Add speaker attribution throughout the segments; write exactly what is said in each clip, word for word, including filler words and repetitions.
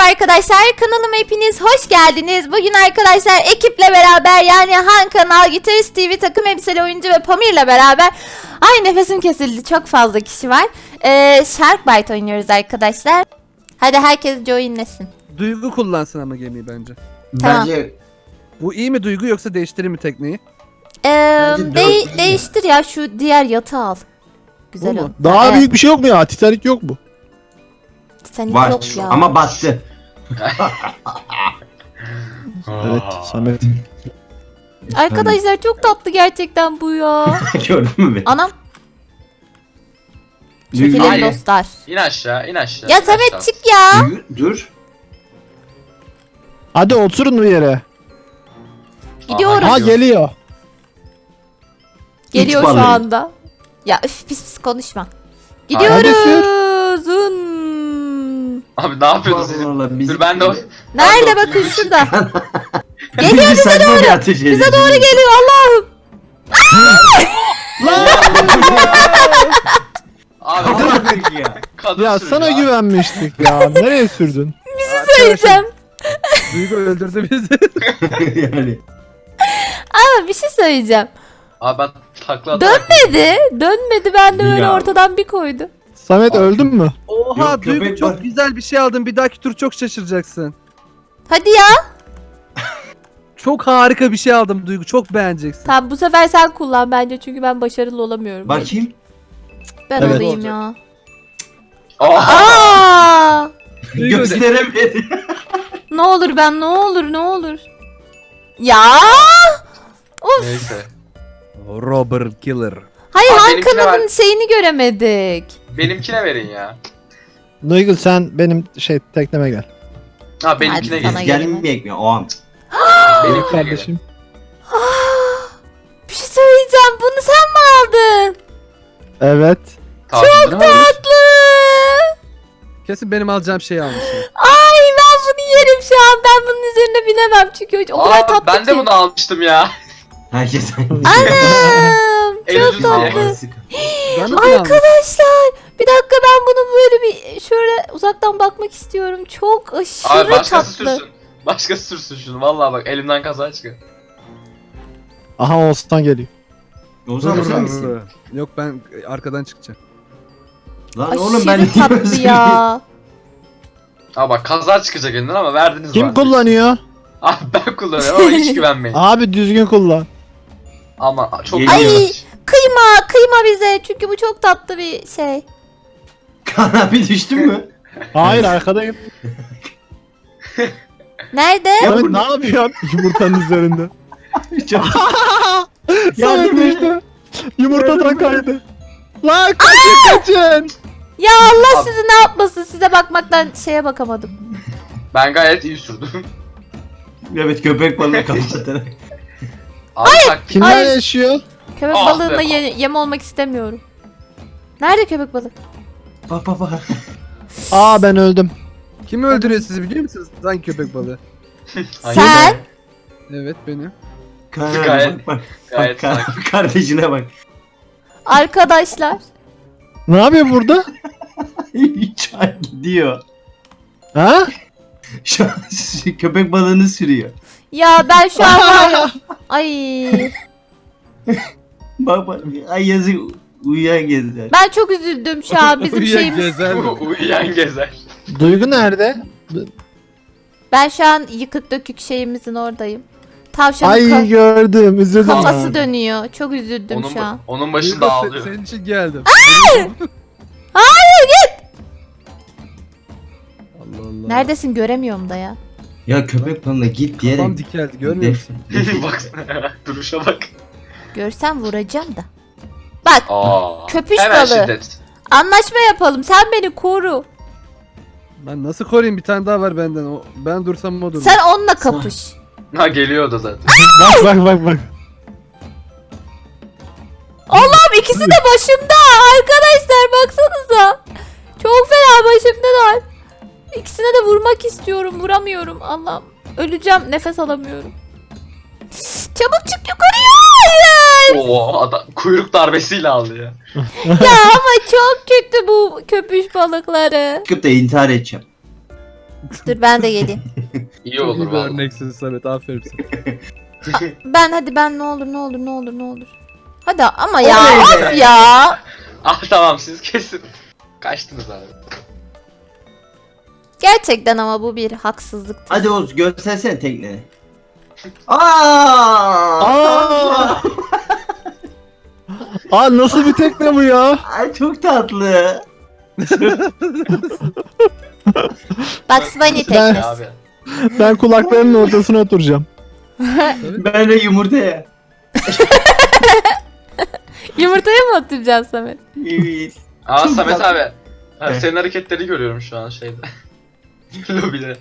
Speaker 1: Merhaba arkadaşlar, kanalıma hepiniz hoş geldiniz. Bugün arkadaşlar ekiple beraber, yani Han Kanal, Gitarist T V, takım elbiseli oyuncu ve Pamir'le beraber, ay nefesim kesildi, çok fazla kişi var. Ee, Sharkbite oynuyoruz arkadaşlar. Hadi herkes joinlesin.
Speaker 2: Duygu kullansın ama gemiyi bence.
Speaker 1: Tamam.
Speaker 3: Bence
Speaker 2: Bu iyi mi Duygu, yoksa değiştireyim mi tekneyi?
Speaker 1: Ee,
Speaker 3: Bence
Speaker 1: de-
Speaker 3: dört iyi.
Speaker 1: değiştir ya, şu diğer yatağı al. Güzel
Speaker 2: Bu
Speaker 1: o.
Speaker 2: mu?
Speaker 4: Daha
Speaker 1: Evet.
Speaker 4: büyük bir şey yok mu ya? Titanic yok mu?
Speaker 1: Titanic
Speaker 3: var
Speaker 1: yok ya.
Speaker 3: ama battı.
Speaker 4: Evet, Samet.
Speaker 1: Arkadaşlar çok tatlı gerçekten bu ya.
Speaker 3: Gördün mü beni?
Speaker 1: Anam.
Speaker 3: Duygu-
Speaker 1: Çekilin
Speaker 5: Hayır.
Speaker 1: dostlar.
Speaker 5: İn aşağı, in aşağı.
Speaker 1: Ya
Speaker 5: in
Speaker 1: Samet
Speaker 5: aşağı.
Speaker 1: çık ya.
Speaker 3: Duygu, dur.
Speaker 4: Hadi oturun bir yere.
Speaker 1: Gidiyorum.
Speaker 4: Ha
Speaker 5: geliyor.
Speaker 4: geliyor.
Speaker 1: Geliyor
Speaker 3: İt
Speaker 1: şu
Speaker 3: balığı.
Speaker 1: anda. Ya üf, pis pis konuşma.
Speaker 4: Hadi
Speaker 1: Gidiyoruz. Zın.
Speaker 5: Abi ne yapıyordun siz?
Speaker 3: Allah Allah, bizi-
Speaker 5: Dur ben de o...
Speaker 1: Nerede
Speaker 5: Ben de
Speaker 1: bakın
Speaker 5: o-
Speaker 1: şurada.
Speaker 3: Geliyor bize doğru.
Speaker 1: Bize doğru geliyor Allah'ım.
Speaker 5: Abi
Speaker 3: Dur ya.
Speaker 5: kadın
Speaker 4: Ya
Speaker 5: sürüyor
Speaker 4: sana
Speaker 5: abi.
Speaker 4: güvenmiştik ya. Nereye sürdün?
Speaker 1: Söyleyeceğim.
Speaker 2: Duygu öldürdü bizi.
Speaker 3: Yani.
Speaker 1: Ama bir şey söyleyeceğim.
Speaker 5: Abi ben takla atarak...
Speaker 1: Dönmedi. Dönmedi, ben de böyle
Speaker 3: Ya.
Speaker 1: ortadan bir koydu.
Speaker 4: Samet öldün mü?
Speaker 2: Oha
Speaker 3: Yok,
Speaker 2: Duygu
Speaker 3: köpek
Speaker 2: çok
Speaker 3: var.
Speaker 2: güzel bir şey aldın. Bir dahaki tur çok şaşıracaksın.
Speaker 1: Hadi ya.
Speaker 2: Çok harika bir şey aldım Duygu. Çok beğeneceksin.
Speaker 1: Tamam, bu sefer sen kullan bence, çünkü ben başarılı olamıyorum.
Speaker 3: Bakayım.
Speaker 1: Ben
Speaker 4: Evet.
Speaker 1: alayım ya.
Speaker 5: Aa!
Speaker 1: Aa!
Speaker 2: Duygu de-
Speaker 3: Gösteremedi.
Speaker 1: Ne olur ben, ne olur ne olur. Ya! Of.
Speaker 5: Neyse.
Speaker 2: Robert Killer.
Speaker 1: Hayır,
Speaker 5: Abi
Speaker 1: Han
Speaker 5: benimkine
Speaker 1: kanalın
Speaker 5: ver.
Speaker 1: şeyini göremedik.
Speaker 5: Benimkine verin ya.
Speaker 4: Duygu sen benim şey tekneme gel.
Speaker 5: Ha benimkine
Speaker 1: Hadi sana
Speaker 5: gelin.
Speaker 1: gel.
Speaker 3: Gelmeyecek mi o an?
Speaker 5: Benimkine gelin.
Speaker 4: Kardeşim.
Speaker 1: Bir şey söyleyeceğim. Bunu sen mi aldın?
Speaker 4: Evet.
Speaker 5: Çok
Speaker 1: Tatlı.
Speaker 2: Kesin benim alacağım şeyi almışsın.
Speaker 1: Ay ben bunu yerim şu an. Ben bunun üzerine binemem çünkü o kadar
Speaker 5: Aa
Speaker 1: tatlı
Speaker 5: ben
Speaker 1: ki.
Speaker 5: de bunu almıştım ya.
Speaker 3: Herkes
Speaker 1: Anam.
Speaker 5: En
Speaker 1: Çok
Speaker 5: ucuz diye.
Speaker 1: tatlı.
Speaker 2: Ben de bunu almışım.
Speaker 1: Arkadaşlar bir dakika, ben bunu böyle bir şöyle uzaktan bakmak istiyorum. Çok
Speaker 5: Abi
Speaker 1: aşırı
Speaker 5: başkası
Speaker 1: tatlı.
Speaker 5: sürsün. Başkası sürsün şunu. Vallahi bak elimden kaza çıkıyor.
Speaker 4: Aha Oğuzhan geliyor.
Speaker 3: Ozan sen misin?
Speaker 2: Yok, ben arkadan çıkacağım.
Speaker 3: Lan
Speaker 1: Aşırı
Speaker 3: oğlum ben
Speaker 1: tatlı ya.
Speaker 5: Abi bak kaza çıkacak elinden ama verdiniz
Speaker 4: Kim
Speaker 5: bana.
Speaker 4: kullanıyor?
Speaker 5: Abi ben kullanıyorum ama hiç güvenmeyin.
Speaker 4: Abi düzgün kullan.
Speaker 5: Ama çok
Speaker 3: Geliyor.
Speaker 1: Ay kıyma kıyma bize, çünkü bu çok tatlı bir şey.
Speaker 3: Kaan abi düştün mü?
Speaker 4: Hayır arkadayım.
Speaker 1: Nerede?
Speaker 3: Ya
Speaker 4: Samet
Speaker 3: bu-
Speaker 4: ne yapıyorsun yumurtanın üzerinde?
Speaker 3: Çok-
Speaker 4: Samet
Speaker 3: Yardım et.
Speaker 4: düştü. Yumurtadan kaydı. Lan kaçın kaçın.
Speaker 1: Ya Allah
Speaker 5: Abi-
Speaker 1: sizi ne yapmasın, size bakmaktan şeye bakamadım.
Speaker 5: Ben gayet iyi sürdüm.
Speaker 3: Evet köpek balığı kapatarak.
Speaker 5: Abi taktik.
Speaker 4: Kimler
Speaker 1: Ay.
Speaker 4: yaşıyor?
Speaker 1: Köpek
Speaker 5: Ah
Speaker 1: balığına
Speaker 5: be.
Speaker 1: ye- yem olmak istemiyorum. Nerede köpek balığı?
Speaker 3: Bak bak bak.
Speaker 4: Aa ben öldüm.
Speaker 2: Kim öldürüyor sizi biliyor musunuz? Hangi köpek balığı?
Speaker 5: Hayır.
Speaker 1: Sen?
Speaker 2: Evet, benim.
Speaker 3: Kaan abi
Speaker 5: Gayet-
Speaker 3: bak bak.
Speaker 5: Gayet
Speaker 3: Bak Kaan
Speaker 5: sakin.
Speaker 3: abi, kardeşine bak.
Speaker 1: Arkadaşlar.
Speaker 4: Ne yapıyor burada?
Speaker 3: Şu an gidiyor.
Speaker 4: Ha?
Speaker 3: Şu an köpek balığını sürüyor.
Speaker 1: Ya ben şu an var ya- Ay.
Speaker 3: Bak bak. Ay yazık uyuyan gezdiler.
Speaker 1: Ben çok üzüldüm şu an, bizim
Speaker 2: Uyuyan
Speaker 1: şeyimiz.
Speaker 2: gezer mi?
Speaker 5: Uyuyan gezer.
Speaker 4: Duygu nerede?
Speaker 1: Ben şu an yıkık dökük şeyimizin oradayım. Tavşanın
Speaker 4: Ay
Speaker 1: ka-
Speaker 4: gördüm üzüldüm.
Speaker 1: kafası
Speaker 4: ha.
Speaker 1: dönüyor. Çok üzüldüm
Speaker 5: Onun,
Speaker 1: şu an.
Speaker 5: onun
Speaker 2: Duygu,
Speaker 5: başında
Speaker 2: se-
Speaker 5: ağlıyor.
Speaker 2: senin için geldim.
Speaker 1: Hayır git.
Speaker 2: Allah Allah.
Speaker 1: Neredesin, göremiyorum da ya.
Speaker 3: Ya köpek balığı git diyerek.
Speaker 2: Kafam dikeldi, görmüyor musun?
Speaker 5: Baksana. Duruşa bak.
Speaker 1: Görsem vuracağım da. Bak,
Speaker 5: Aa.
Speaker 1: Köpüş
Speaker 5: Hemen
Speaker 1: balığı.
Speaker 5: şiddet.
Speaker 1: anlaşma yapalım. Sen beni koru.
Speaker 2: Ben nasıl koruyayım, bir tane daha var benden. O, ben dursam o durur.
Speaker 1: Sen onunla kapış.
Speaker 5: Ha geliyor da zaten.
Speaker 4: Bak bak bak bak.
Speaker 1: Allah'ım, ikisi de başımda. Arkadaşlar baksanıza. Çok fena başımdalar. İkisine de vurmak istiyorum. Vuramıyorum. Allah'ım. Öleceğim. Nefes alamıyorum. Çabuk çık yukarıya. Hayır.
Speaker 5: Oo adam kuyruk darbesiyle alıyor.
Speaker 1: Ya ama çok kötü bu köpüş balıkları.
Speaker 3: Çıkıp da intihar edeceğim.
Speaker 1: Dur ben de geleyim.
Speaker 5: İyi
Speaker 2: Çok
Speaker 5: olur
Speaker 2: iyi bir
Speaker 5: vallahi.
Speaker 2: örneksin Samet. Aferin sana.
Speaker 1: Ben hadi ben ne olur ne olur ne olur ne olur. Hadi ama ya
Speaker 3: Oley be.
Speaker 1: of ya.
Speaker 5: Ah tamam siz kesin. Kaçtınız abi.
Speaker 1: Gerçekten ama bu bir haksızlıktır.
Speaker 3: Hadi Oğuz göstersene tekneni. Aa!
Speaker 4: Aa! Aa nasıl bir tekne bu ya?
Speaker 3: Ay çok tatlı.
Speaker 1: Bugs Bunny
Speaker 4: Ben-
Speaker 1: teknesi.
Speaker 5: Abi.
Speaker 4: Ben kulaklarının ortasına oturacağım.
Speaker 3: Ben de yumurtaya.
Speaker 1: Yumurtaya mı oturacaksın Samet?
Speaker 3: Evet.
Speaker 5: Aa
Speaker 3: Çok
Speaker 5: Samet
Speaker 3: tatlı.
Speaker 5: abi. Ha,
Speaker 3: Evet.
Speaker 5: senin hareketleri görüyorum şu an şeyde. Lobide.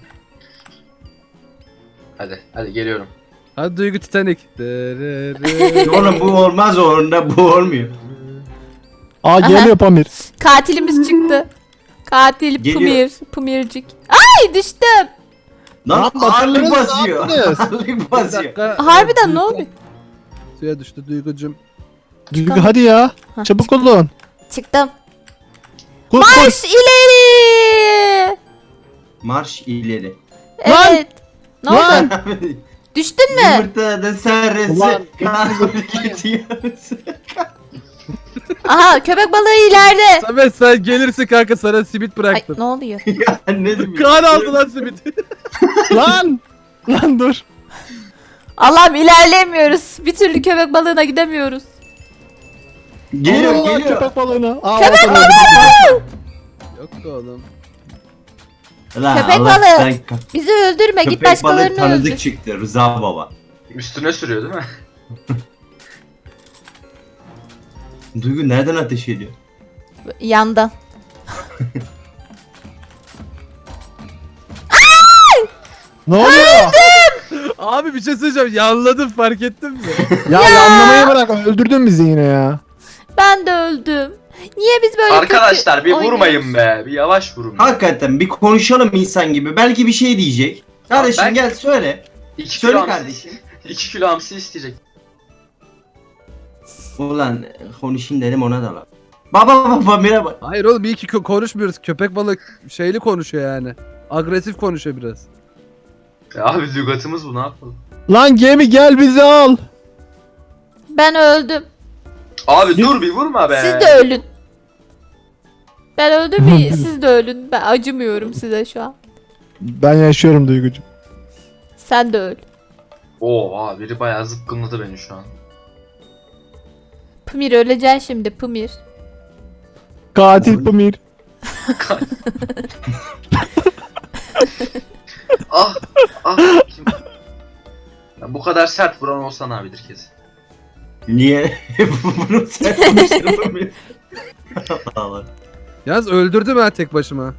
Speaker 5: Hadi hadi geliyorum.
Speaker 2: Hadi Duygu Titanic. Dırırı.
Speaker 3: Oğlum bu olmaz orunda bu olmuyor.
Speaker 4: Aa geliyor Pamir.
Speaker 1: Katilimiz çıktı. Katil
Speaker 3: Geliyor.
Speaker 1: Pumir. Pumircik. Ay düştüm.
Speaker 3: Lan
Speaker 4: Lan
Speaker 3: ağırlık
Speaker 4: batırırız,
Speaker 3: basıyor.
Speaker 4: ne yaptınız?
Speaker 3: Ağırlık
Speaker 2: Bir
Speaker 3: basıyor.
Speaker 2: dakika.
Speaker 1: Harbiden
Speaker 2: Duygu-
Speaker 1: ne oluyor?
Speaker 2: Suya düştü Duygucum.
Speaker 4: Duygu hadi ya.
Speaker 1: Ha,
Speaker 4: Çabuk olun.
Speaker 1: Çıktım.
Speaker 4: Koş koş.
Speaker 1: Marş ileri.
Speaker 3: Marş ileri.
Speaker 4: Lan!
Speaker 1: Evet. Ne oldu?
Speaker 4: Lan!
Speaker 1: Düştün mü?
Speaker 3: Yumurtanın sarısı.
Speaker 4: Ulan.
Speaker 3: Kahve gidiyoruz.
Speaker 1: Aha köpek balığı ileride.
Speaker 2: Samet sen gelirsin kanka, sana simit
Speaker 1: Ay
Speaker 2: bıraktım.
Speaker 1: ne oluyor?
Speaker 3: Ya ne demek?
Speaker 2: Kaan aldı lan simiti.
Speaker 4: Lan! Lan dur.
Speaker 1: Allah'ım ilerleyemiyoruz. Bir türlü köpek balığına gidemiyoruz.
Speaker 3: Geliyor
Speaker 4: Vurun lan
Speaker 3: geliyor.
Speaker 4: köpek balığına. Aa,
Speaker 1: Köpek
Speaker 4: ortada
Speaker 1: balığı!
Speaker 2: Yok be oğlum.
Speaker 3: Lan
Speaker 1: Köpek
Speaker 3: Allah,
Speaker 1: balığı.
Speaker 3: sen ka-
Speaker 1: Bizi öldürme git
Speaker 3: Köpek balığı
Speaker 1: başkalarını
Speaker 3: tanıdık
Speaker 1: öldür.
Speaker 3: çıktı Rıza baba.
Speaker 5: Üstüne sürüyor değil mi?
Speaker 3: Duygu nereden ateş ediyor?
Speaker 1: Yandan.
Speaker 4: Ne oluyor?
Speaker 2: Abi bir şey söyleyeceğim. Yanladım, fark ettin mi?
Speaker 4: Ya yanlamayı bırak. Öldürdün bizi yine ya.
Speaker 1: Ben de öldüm. Niye biz böyle
Speaker 5: Arkadaşlar
Speaker 1: kötü
Speaker 5: bir
Speaker 1: oynuyoruz?
Speaker 5: vurmayın be. Bir yavaş vurun.
Speaker 3: Hakikaten bir konuşalım insan gibi. Belki bir şey diyecek. Kardeşim
Speaker 5: ben-
Speaker 3: gel söyle.
Speaker 5: İki
Speaker 3: Söyle
Speaker 5: kilo hamsi,
Speaker 3: kardeşim.
Speaker 5: iki kilo hamsi isteyecek.
Speaker 3: Ulan konuşayım dedim ona da lan. Baba baba merhaba.
Speaker 2: Hayır oğlum, iyi ki kö- konuşmuyoruz. Köpek balık şeyli konuşuyor yani. Agresif konuşuyor biraz.
Speaker 5: Ya abi lügatımız bu, ne yapalım?
Speaker 4: Lan gemi gel bizi al.
Speaker 1: Ben öldüm.
Speaker 5: Abi dur bir vurma be.
Speaker 1: Siz de ölün. Ben öldüm mü? Siz de ölün. Ben acımıyorum size şu an.
Speaker 4: Ben yaşıyorum Duygucuğum.
Speaker 1: Sen de öl.
Speaker 5: Oo abi biri bayağı zıpkınladı beni şu an.
Speaker 1: Pımir öleceksin şimdi Pımir.
Speaker 4: Katil Pamir.
Speaker 5: Ah ah kim? Ya bu kadar sert vuran olsan abidir kesin.
Speaker 3: Niye? Bunu sen konuşalım. Allah.
Speaker 2: Yalnız öldürdüm ben tek başıma.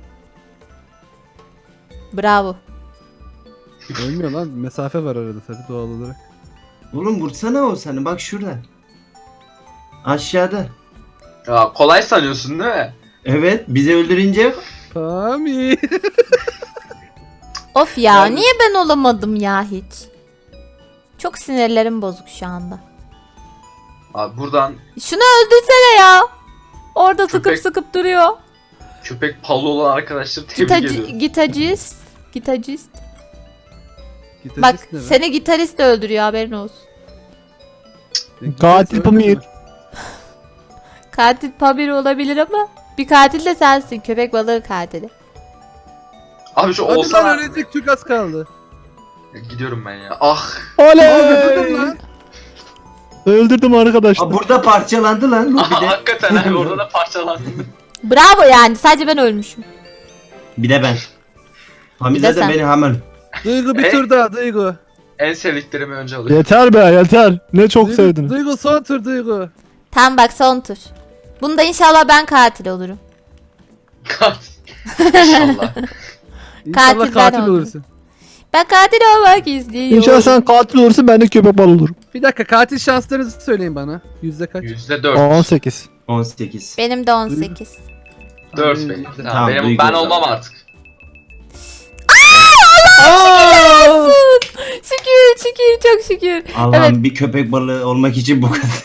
Speaker 1: Bravo.
Speaker 2: Ölmüyor lan. Mesafe var arada tabii doğal olarak.
Speaker 3: Oğlum vursana o seni bak şurada. Aşağıda.
Speaker 5: Ya kolay sanıyorsun değil mi?
Speaker 3: Evet bizi öldürünce
Speaker 2: Pami.
Speaker 1: Of ya
Speaker 5: Yani-
Speaker 1: niye ben olamadım ya hiç? Çok sinirlerim bozuk şu anda.
Speaker 5: Abi buradan
Speaker 1: Şunu öldürsene ya. Orada sıkıp
Speaker 5: Köpek-
Speaker 1: sıkıp duruyor.
Speaker 5: köpek palı olan arkadaşları tebrik
Speaker 1: Gitacı,
Speaker 5: ediyorum.
Speaker 1: gitarist. Gitarist.
Speaker 2: Gitarist
Speaker 1: Bak
Speaker 2: ne be?
Speaker 1: seni gitarist de öldürüyor haberin olsun.
Speaker 2: Gitarist
Speaker 4: Katil
Speaker 2: öldürdü
Speaker 4: Pamir.
Speaker 2: mü?
Speaker 1: Katil Pamir olabilir ama bir katil de sensin. Köpek balığı katili.
Speaker 5: Abi şu
Speaker 2: Hadi
Speaker 5: olsa
Speaker 2: lan, ölecek çok az kaldı.
Speaker 5: gidiyorum ben ya. Ah
Speaker 2: Öldürdüm
Speaker 4: Oley!
Speaker 2: lan.
Speaker 4: Öldürdüm arkadaşlar.
Speaker 3: Aa, burada parçalandı lan
Speaker 5: aha,
Speaker 3: lobide.
Speaker 5: hakikaten abi orada da parçalandım.
Speaker 1: Bravo yani sadece ben ölmüşüm.
Speaker 3: Bir de ben.
Speaker 1: Bir
Speaker 3: Hamide
Speaker 1: de
Speaker 3: de
Speaker 1: sen.
Speaker 3: beni hemen.
Speaker 2: Duygu bir
Speaker 5: E?
Speaker 2: tur daha Duygu.
Speaker 5: En sevdiklerimi önce alıyorum.
Speaker 4: Yeter be yeter. Ne çok
Speaker 2: Duygu,
Speaker 4: sevdiniz.
Speaker 2: Duygu son tur Duygu.
Speaker 1: Tamam bak son tur. Bunda inşallah ben katil olurum.
Speaker 5: İnşallah.
Speaker 2: İnşallah
Speaker 1: Katil ben
Speaker 2: katil
Speaker 1: oldum.
Speaker 2: olursun.
Speaker 1: Ben katil olmak istiyorum.
Speaker 4: İnşallah sen katil olursun ben de köpek balığı olurum.
Speaker 2: Bir dakika, katil şanslarınızı söyleyin bana. Yüzde kaç?
Speaker 5: Yüzde dört.
Speaker 4: on sekiz.
Speaker 3: on sekiz.
Speaker 1: Benim de on sekiz.
Speaker 5: Dört
Speaker 2: Abi,
Speaker 5: benim.
Speaker 2: yüzde-
Speaker 5: Tamam, benim,
Speaker 3: Duygu
Speaker 5: ben
Speaker 3: o
Speaker 5: olmam
Speaker 3: zaman.
Speaker 5: artık.
Speaker 1: Şükür şükür çok şükür.
Speaker 3: Allah'ım
Speaker 1: Evet.
Speaker 3: bir köpek balığı olmak için bu kadar.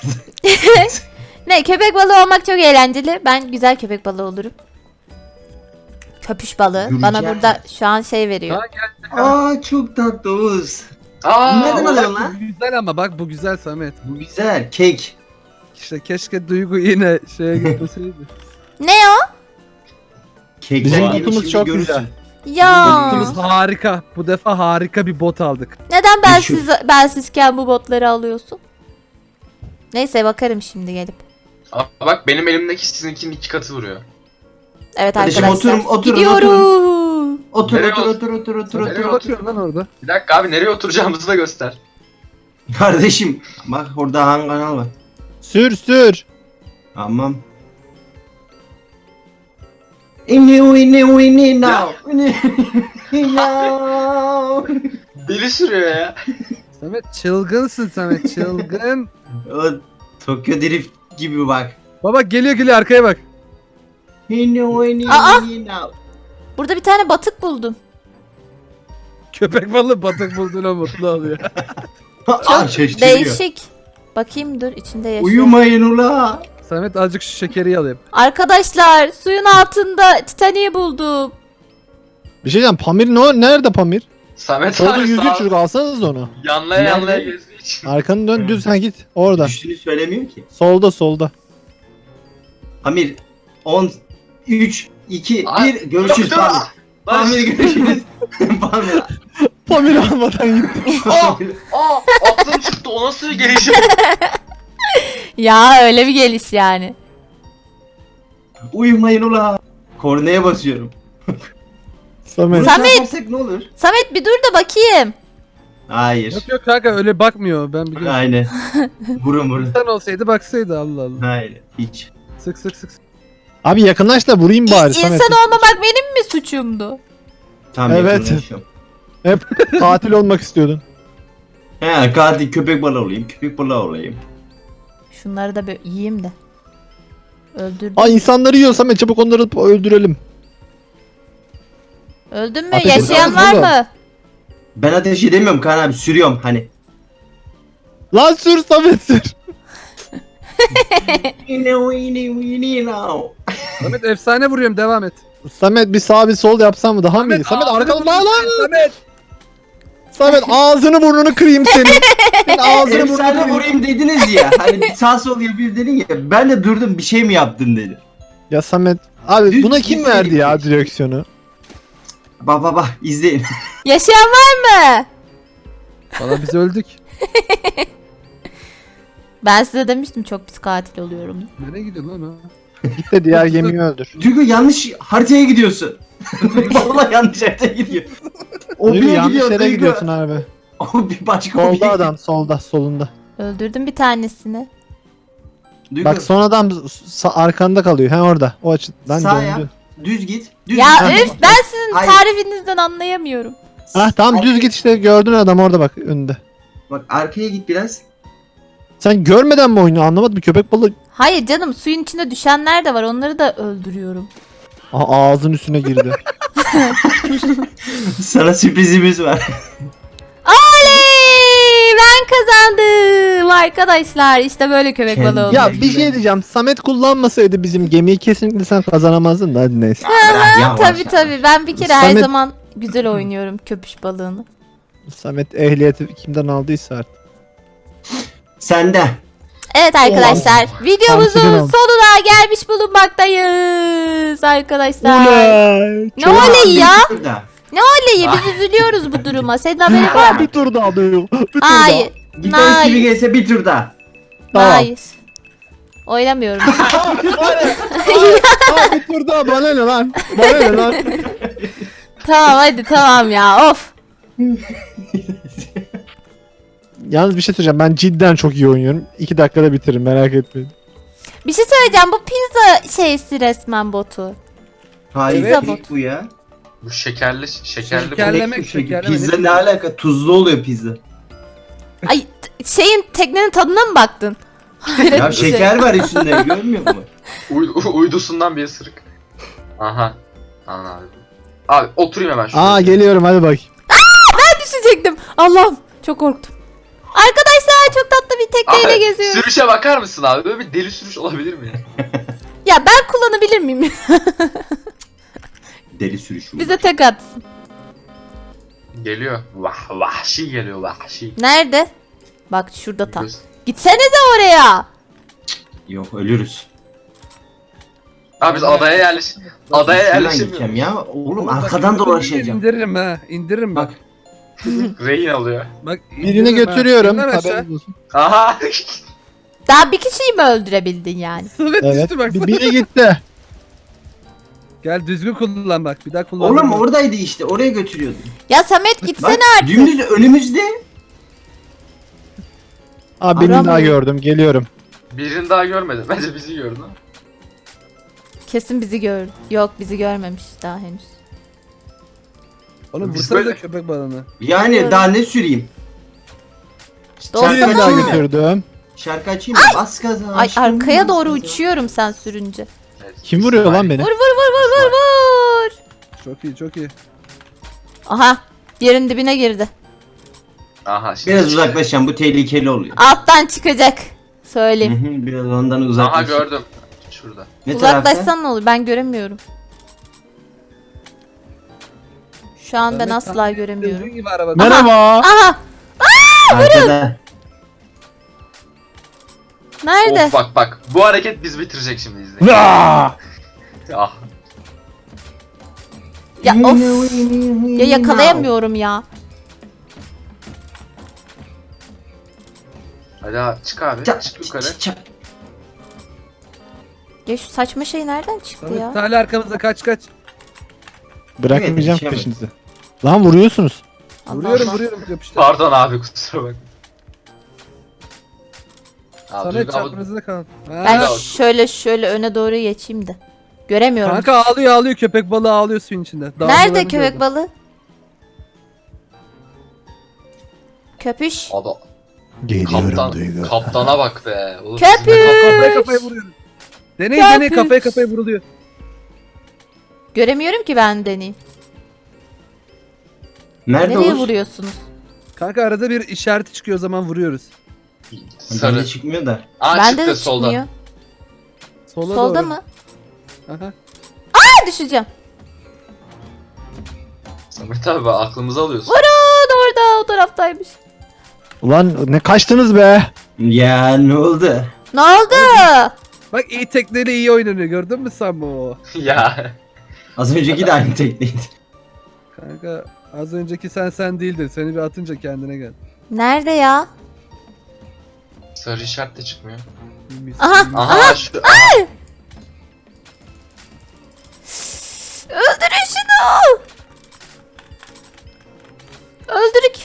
Speaker 1: Ne köpek balığı olmak çok eğlenceli. Ben güzel köpek balığı olurum. Köpüş balığı.
Speaker 3: Göreceğim.
Speaker 1: Bana burada şu an şey veriyor.
Speaker 2: Ha, gel.
Speaker 3: Aa çok tatlı Oğuz.
Speaker 5: Aa,
Speaker 3: Nereden
Speaker 5: ulan-
Speaker 3: alıyorsun
Speaker 2: Bu
Speaker 3: lan?
Speaker 2: güzel ama bak bu güzel Samet.
Speaker 3: Bu güzel. Kek.
Speaker 2: İşte keşke Duygu yine şeye gitmeseydi.
Speaker 1: Ne o?
Speaker 3: Kek.
Speaker 4: Bizim
Speaker 3: rengini
Speaker 4: botumuz
Speaker 3: şimdi
Speaker 4: çok
Speaker 3: görürsün.
Speaker 4: güzel.
Speaker 1: Ya.
Speaker 2: Botumuz harika. Bu defa harika bir bot aldık.
Speaker 1: Neden ben
Speaker 3: Meşhur.
Speaker 1: siz ben sizken bu botları alıyorsun? Neyse bakarım şimdi gelip.
Speaker 5: Aa, bak benim elimdeki sizinkinin iki katı vuruyor.
Speaker 1: Evet
Speaker 3: Kardeşim,
Speaker 1: arkadaşlar.
Speaker 3: oturun, oturun,
Speaker 1: Gidiyorum.
Speaker 3: Otur
Speaker 5: Nereye
Speaker 3: otur
Speaker 5: otur-
Speaker 3: otur otur otur
Speaker 5: Nereye
Speaker 3: otur.
Speaker 2: Ne
Speaker 3: otur.
Speaker 2: bakıyorsun lan orada?
Speaker 5: Bir dakika abi nereye oturacağımızı da göster.
Speaker 3: Kardeşim bak orada Han kanal var.
Speaker 4: Sür sür.
Speaker 3: Tamam. İni ini ini now. İni now.
Speaker 5: Deli sürüyor ya.
Speaker 2: Samet çılgınsın Samet çılgın.
Speaker 3: O Tokyo Drift gibi bak.
Speaker 2: Baba geliyor geliyor arkaya bak.
Speaker 3: İni ini
Speaker 1: Aa!
Speaker 3: ini now.
Speaker 1: Burada bir tane batık buldum.
Speaker 2: Köpek balığı batık bulduğuna mutlu oluyor.
Speaker 3: Aa şaşırıyor.
Speaker 1: Değişik. Bakayım dur içinde yaşıyor.
Speaker 3: Uyumayın ula.
Speaker 2: Samet azıcık şu şekeri alayım.
Speaker 1: Arkadaşlar suyun altında Titanic'i buldum.
Speaker 4: Bir şey diyeceğim. Pamir ne? Nerede Pamir?
Speaker 5: Samet
Speaker 4: Solda
Speaker 5: abi
Speaker 4: yüzüyor
Speaker 5: sağ
Speaker 4: çocuk, alsanız onu.
Speaker 5: yanlaya
Speaker 3: Nerede?
Speaker 5: yanlaya gezdiği için.
Speaker 4: Arkanı dön düz, ha git. Orada.
Speaker 3: Düştüğünü söylemiyor ki.
Speaker 4: Solda solda.
Speaker 3: Amir on üç iki
Speaker 5: Ay,
Speaker 3: bir görüşürüz
Speaker 5: dur, dur.
Speaker 3: Pamir.
Speaker 5: Lan
Speaker 3: Pamir görüşürüz. Pamir.
Speaker 4: Pamir almadan gitti.
Speaker 5: Aa, aa, aklım çıktı o nasıl bir gelişim?
Speaker 1: Ya öyle bir geliş yani.
Speaker 3: Uyumayın ula. Kornaya basıyorum.
Speaker 4: Samet.
Speaker 3: Bunu
Speaker 1: Samet!
Speaker 3: yaparsak ne olur?
Speaker 1: Samet bir dur da bakayım.
Speaker 3: Hayır.
Speaker 2: Yok yok kanka öyle bakmıyor ben biliyorum.
Speaker 3: Aynen. Vurun vurun.
Speaker 2: Sen olsaydı baksaydı Allah Allah.
Speaker 3: Hayır. Hiç.
Speaker 2: Sık sık sık.
Speaker 4: Abi yakınlaş da vurayım bari
Speaker 1: İ-
Speaker 4: Samet.
Speaker 1: İnsan olmamak benim mi suçumdu?
Speaker 3: Tam
Speaker 4: Evet.
Speaker 3: yakınlaşıyorum.
Speaker 4: Hep katil olmak istiyordun.
Speaker 3: He katil köpek balığı olayım. Köpek balığı olayım.
Speaker 1: Şunları da böyle yiyeyim de. Öldürdüm.
Speaker 4: Aa insanları yiyor Samet, çabuk onları öldürelim.
Speaker 1: Öldün mü?
Speaker 4: Ateş
Speaker 1: Yaşayan
Speaker 4: ediyoruz
Speaker 1: var
Speaker 4: oğlum.
Speaker 1: mı?
Speaker 3: Ben ateş edemiyorum Kaan abi, sürüyorum hani.
Speaker 4: Lan sür Samet sür.
Speaker 2: Samet efsane vuruyorum devam et.
Speaker 4: Samet bir sağ bir sol yapsan mı daha mı iyi? Samet
Speaker 2: ağzını
Speaker 4: arkadan lan
Speaker 2: vurayım.
Speaker 4: lan.
Speaker 2: Samet.
Speaker 4: Samet ağzını burnunu kırayım senin. Senin ağzını burnunu
Speaker 3: Efsane
Speaker 4: kırayım.
Speaker 3: vurayım dediniz ya. Hani sağ sol yapayım dedin ya. Ben de durdum, bir şey mi yaptın dedi.
Speaker 4: Ya Samet abi
Speaker 3: Düz
Speaker 4: buna kim
Speaker 3: gitseydim
Speaker 4: verdi ya
Speaker 3: hiç.
Speaker 4: direksiyonu?
Speaker 3: Bak bak bak izleyin.
Speaker 1: Yaşayan var mı?
Speaker 2: Valla biz öldük.
Speaker 1: Ben size demiştim çok pis katil oluyorum.
Speaker 2: Nereye gidiyor lan o?
Speaker 4: Git de diğer gemiyi öldür.
Speaker 3: Duygu yanlış haritaya gidiyorsun. Vallahi yanlış haritaya gidiyor. O
Speaker 4: Duygu
Speaker 3: bir
Speaker 4: yanlış
Speaker 3: gidiyor
Speaker 4: yere
Speaker 3: Duygu.
Speaker 4: gidiyorsun abi.
Speaker 3: O bir başka o bir.
Speaker 4: Solda adam solda solunda.
Speaker 1: Öldürdüm bir tanesini.
Speaker 3: Duygu
Speaker 4: Bak son adam sa- arkanda kalıyor. He orada. O açıdan
Speaker 3: Sağ
Speaker 4: döndü.
Speaker 3: yap. Düz git. Düz
Speaker 1: Ya
Speaker 3: git.
Speaker 1: üf ben sizin
Speaker 3: Hayır.
Speaker 1: tarifinizden anlayamıyorum.
Speaker 4: Ah tamam düz git işte, gördün adam orada bak önünde.
Speaker 3: Bak arkaya git biraz.
Speaker 4: Sen görmeden mi oynuyorsun, anlamadım, bir köpek balığı
Speaker 1: Hayır canım suyun içinde düşenler de var onları da öldürüyorum.
Speaker 4: Aha, ağzın üstüne girdi.
Speaker 3: Sana sürprizimiz var.
Speaker 1: Oley! Ben kazandım arkadaşlar. İşte böyle köpek
Speaker 3: Kendi-
Speaker 1: balığı olur.
Speaker 4: Ya bir şey diyeceğim, Samet kullanmasaydı bizim gemiyi kesinlikle sen kazanamazdın da hadi neyse.
Speaker 3: Bırak ya,
Speaker 1: Tabi
Speaker 3: boş ver.
Speaker 1: tabi ben bir kere her
Speaker 4: Samet-
Speaker 1: zaman güzel oynuyorum köpüş balığını.
Speaker 4: Samet ehliyeti kimden aldıysa artık.
Speaker 3: Sende.
Speaker 1: Evet arkadaşlar videomuzun
Speaker 4: Tamam, oldu.
Speaker 1: sonuna gelmiş bulunmaktayız arkadaşlar.
Speaker 4: Uley!
Speaker 1: Ne oley ya?
Speaker 3: Burada.
Speaker 1: Ne oley biz üzülüyoruz bu duruma. Senin haberin var mı?
Speaker 4: Bir tur daha diyor. Bir tur
Speaker 1: Hayır.
Speaker 3: Gitarist
Speaker 1: Hayır.
Speaker 3: gibi gelse bir tur daha.
Speaker 4: Tamam.
Speaker 1: Hayır. Oynamıyorum.
Speaker 4: daha. Aa, bir tur daha, bana ne lan? Bana ne lan?
Speaker 1: Tamam hadi tamam ya of.
Speaker 4: Yalnız bir şey söyleyeceğim, ben cidden çok iyi oynuyorum. İki dakikada bitiririm, merak etmeyin.
Speaker 1: Bir şey söyleyeceğim bu pizza şeysi resmen botu.
Speaker 3: Hayır
Speaker 1: Pizza
Speaker 3: değil
Speaker 1: bot.
Speaker 3: bu ya.
Speaker 5: Bu şekerli şekerli
Speaker 2: Şekerleme-
Speaker 5: bu.
Speaker 2: Şekerlemek, şekerlemek.
Speaker 3: Pizza ne alaka? Tuzlu oluyor pizza.
Speaker 1: Ay t- şeyin teknenin tadına mı baktın? Hayret
Speaker 3: Ya
Speaker 1: bir şey.
Speaker 3: şeker var üstünde, görmüyor musun?
Speaker 5: Uy- uydusundan bir ısırık. Aha. Anladım. Abi oturayım hemen şuraya.
Speaker 4: Aa geliyorum, hadi bak.
Speaker 1: Düşecektim. Allah'ım çok korktum. Arkadaşlar çok tatlı bir tekneyle
Speaker 5: Abi,
Speaker 1: geziyorum.
Speaker 5: sürüşe bakar mısın abi? Böyle bir deli sürüş olabilir mi ya?
Speaker 1: Ya ben kullanabilir miyim?
Speaker 3: Deli sürüşüm.
Speaker 1: Bize tek atsın.
Speaker 5: Geliyor. Vah vahşi geliyor vahşi.
Speaker 1: Nerede? Bak şurada tam.
Speaker 5: Göz-
Speaker 1: Gitsenize oraya.
Speaker 3: Yok ölürüz.
Speaker 5: Abi biz adaya yerleş adaya
Speaker 3: Şuradan
Speaker 5: yerleşemiyoruz.
Speaker 3: gideceğim ya. Oğlum
Speaker 2: Bak,
Speaker 3: arkadan
Speaker 2: bak,
Speaker 3: dolaşacağım.
Speaker 2: İndiririm ha. İndiririm bak.
Speaker 3: Bak.
Speaker 5: Rehin alıyor.
Speaker 2: Bak
Speaker 4: Birini
Speaker 2: indiririm ha.
Speaker 4: götürüyorum.
Speaker 2: İnler aşağı.
Speaker 4: Haberiniz olsun.
Speaker 5: Aha.
Speaker 1: Daha bir kişiyi mi öldürebildin yani?
Speaker 2: Samet
Speaker 4: Evet.
Speaker 2: düştü bak.
Speaker 4: Bir- Biri gitti.
Speaker 2: Gel düzgün kullan bak. Bir daha kullan.
Speaker 3: Oğlum oradaydı işte. Oraya götürüyordu.
Speaker 1: Ya Samet gitsene
Speaker 3: Bak
Speaker 1: artık.
Speaker 3: dümdüz önümüzde.
Speaker 4: Abi birini
Speaker 1: Aramıyor.
Speaker 4: daha gördüm. Geliyorum.
Speaker 5: Birini daha görmedim. Bence bizi gördü.
Speaker 1: Kesin bizi gördü. Yok bizi görmemiş daha henüz.
Speaker 2: Oğlum
Speaker 5: Biz
Speaker 2: vursana
Speaker 5: böyle-
Speaker 2: da köpek balığını.
Speaker 3: Yani
Speaker 1: Biliyorum.
Speaker 3: daha ne süreyim?
Speaker 1: Doğru
Speaker 4: Birini daha
Speaker 3: açayım mı?
Speaker 4: götürdüm.
Speaker 3: Şarkı açayım mı? Bas gaza.
Speaker 1: Ay
Speaker 3: aşkım,
Speaker 1: arkaya
Speaker 3: bas
Speaker 1: doğru
Speaker 3: gaza.
Speaker 1: uçuyorum sen sürünce.
Speaker 5: Evet.
Speaker 4: Kim vuruyor lan beni?
Speaker 1: Vur vur vur vur vur vur.
Speaker 2: Çok iyi çok iyi.
Speaker 1: Aha yerin dibine girdi.
Speaker 5: Aha şimdi.
Speaker 3: Biraz uzaklaşacağım. Bu tehlikeli oluyor.
Speaker 1: Alttan çıkacak.
Speaker 3: Hı
Speaker 1: Söyleyeyim.
Speaker 3: hı, Biraz ondan
Speaker 5: Aha
Speaker 3: uzaklaşacağım.
Speaker 5: gördüm. Şurada.
Speaker 3: Ne tarafta?
Speaker 1: Uzaklaşsan ne olur ben göremiyorum. Şu an ben
Speaker 2: Samet
Speaker 1: asla
Speaker 2: tam
Speaker 1: göremiyorum.
Speaker 2: düzgün gibi araba.
Speaker 4: Merhaba.
Speaker 1: Aha
Speaker 3: Arkada.
Speaker 1: nerede?
Speaker 5: Of bak bak. Bu hareket biz bitirecek şimdi izleyin.
Speaker 4: Vaa!
Speaker 5: Ah.
Speaker 1: Ya of ya yakalayamıyorum ya.
Speaker 5: Hadi abi, çık abi.
Speaker 3: Ça-
Speaker 5: Çık yukarı.
Speaker 3: ça- ça-
Speaker 1: Ya şu saçma şey nereden çıktı
Speaker 2: Samet
Speaker 1: ya?
Speaker 2: hala arkamızda kaç kaç.
Speaker 4: Bırakmayacağım
Speaker 3: Evet,
Speaker 4: peşinizi. Lan vuruyorsunuz.
Speaker 1: Allah
Speaker 2: Vuruyorum
Speaker 1: Allah.
Speaker 2: vuruyorum yapıştır.
Speaker 5: Pardon abi kusura bak. Abi,
Speaker 2: Samet
Speaker 5: Duygu abi-
Speaker 2: çaprazında kal. Ha.
Speaker 1: Ben
Speaker 5: Bravo.
Speaker 1: şöyle şöyle öne doğru geçeyim de. Göremiyorum.
Speaker 2: Kanka ağlıyor ağlıyor köpek balığı ağlıyor suyun içinde.
Speaker 1: Nerede köpek balığı? Köpüş.
Speaker 5: Adam,
Speaker 4: Geliyorum
Speaker 5: kaptan,
Speaker 4: Duygu.
Speaker 5: kaptana bak be. Oğlum,
Speaker 1: Köpük!
Speaker 5: bizimle kap-
Speaker 2: Kafaya kafaya vuruyorum. Deney
Speaker 1: Köpük.
Speaker 2: deney kafaya kafaya vuruluyor.
Speaker 1: Göremiyorum ki ben deneyim.
Speaker 3: Nerede
Speaker 1: Nereye
Speaker 3: Oğuz?
Speaker 1: vuruyorsunuz?
Speaker 2: Kanka arada bir işareti çıkıyor o zaman vuruyoruz.
Speaker 5: Sarı.
Speaker 3: Bende çıkmıyor da.
Speaker 5: Aa
Speaker 1: Bende
Speaker 5: çıktı
Speaker 1: de
Speaker 5: solda.
Speaker 1: çıkmıyor.
Speaker 2: Sola
Speaker 1: Solda
Speaker 2: doğru.
Speaker 1: mı?
Speaker 2: Aha.
Speaker 1: Ha düşeceğim.
Speaker 5: Samet abi bak, aklımızı alıyorsun.
Speaker 1: Vurun orada o taraftaymış.
Speaker 4: Ulan ne kaçtınız be?
Speaker 3: Ya ne oldu?
Speaker 1: Ne oldu?
Speaker 2: Bak iyi tekneyle iyi oynanıyor gördün mü sen bu?
Speaker 5: Ya.
Speaker 3: Az önceki de aynı tekneydi.
Speaker 2: Kanka az önceki sen sen değildin. Seni bir atınca kendine gel.
Speaker 1: Nerede ya?
Speaker 5: Sarı işaret de çıkmıyor.
Speaker 2: Mis-
Speaker 1: Aha,
Speaker 2: mis-
Speaker 5: Aha şu. Aha.
Speaker 1: Öldürün şunu. Öldürük.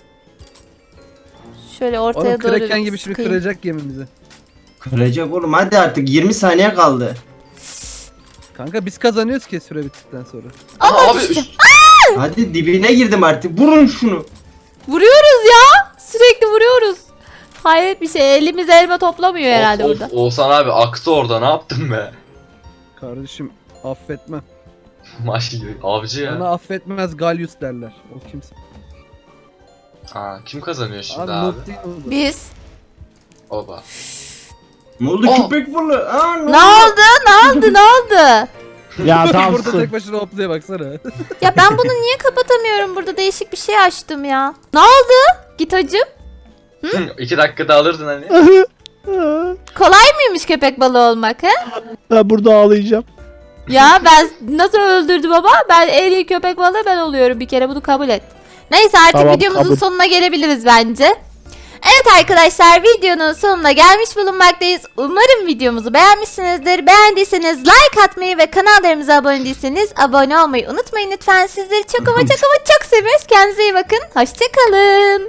Speaker 1: Şöyle ortaya
Speaker 2: Oğlum
Speaker 1: doğru
Speaker 2: kraken gibi şimdi
Speaker 1: sıkayım.
Speaker 2: kıracak gemimizi.
Speaker 3: Kıracak oğlum hadi artık yirmi saniye kaldı.
Speaker 2: Kanka biz kazanıyoruz ki süre bittikten sonra.
Speaker 1: Ama
Speaker 5: Aha, abi
Speaker 1: düştüm.
Speaker 5: üst-
Speaker 3: Hadi dibine girdim artık. Vurun şunu.
Speaker 1: Vuruyoruz ya. Sürekli vuruyoruz. Hayret bir şey. Elimiz elma toplamıyor herhalde
Speaker 5: of,
Speaker 1: burada.
Speaker 5: of, Oğuzhan abi aktı orada, ne yaptın be?
Speaker 2: Kardeşim affetmem.
Speaker 5: Maşallah avcı ya.
Speaker 2: Ona affetmez Galyus derler. O kimse.
Speaker 5: Aa, kim kazanıyor şimdi
Speaker 2: Abi,
Speaker 5: abi?
Speaker 2: noob değil oldu.
Speaker 1: Biz.
Speaker 5: Oba.
Speaker 3: Ne oldu
Speaker 5: Oh.
Speaker 3: köpek balığı? Aa, ne,
Speaker 1: Ne oldu? Ne oldu? Ne oldu?
Speaker 4: Ya tamam
Speaker 2: Burada
Speaker 4: sus.
Speaker 2: tek başına hopluya baksana.
Speaker 1: Ya ben bunu niye kapatamıyorum? Burada değişik bir şey açtım ya. Ne oldu? Git hacım.
Speaker 5: İki dakikada alırdın hani.
Speaker 1: Kolay mıymış köpek balığı olmak he?
Speaker 4: Ben burada ağlayacağım.
Speaker 1: Ya ben nasıl öldürdüm ama ben en iyi köpek balığı ben oluyorum bir kere bunu kabul et. Neyse artık
Speaker 4: Tamam,
Speaker 1: videomuzun
Speaker 4: kabul.
Speaker 1: sonuna gelebiliriz bence. Evet arkadaşlar videonun sonuna gelmiş bulunmaktayız. Umarım videomuzu beğenmişsinizdir. Beğendiyseniz like atmayı ve kanallarımıza abone değilseniz abone olmayı unutmayın lütfen. Sizleri çok ama çok ama çok seviyoruz. Kendinize iyi bakın. Hoşçakalın.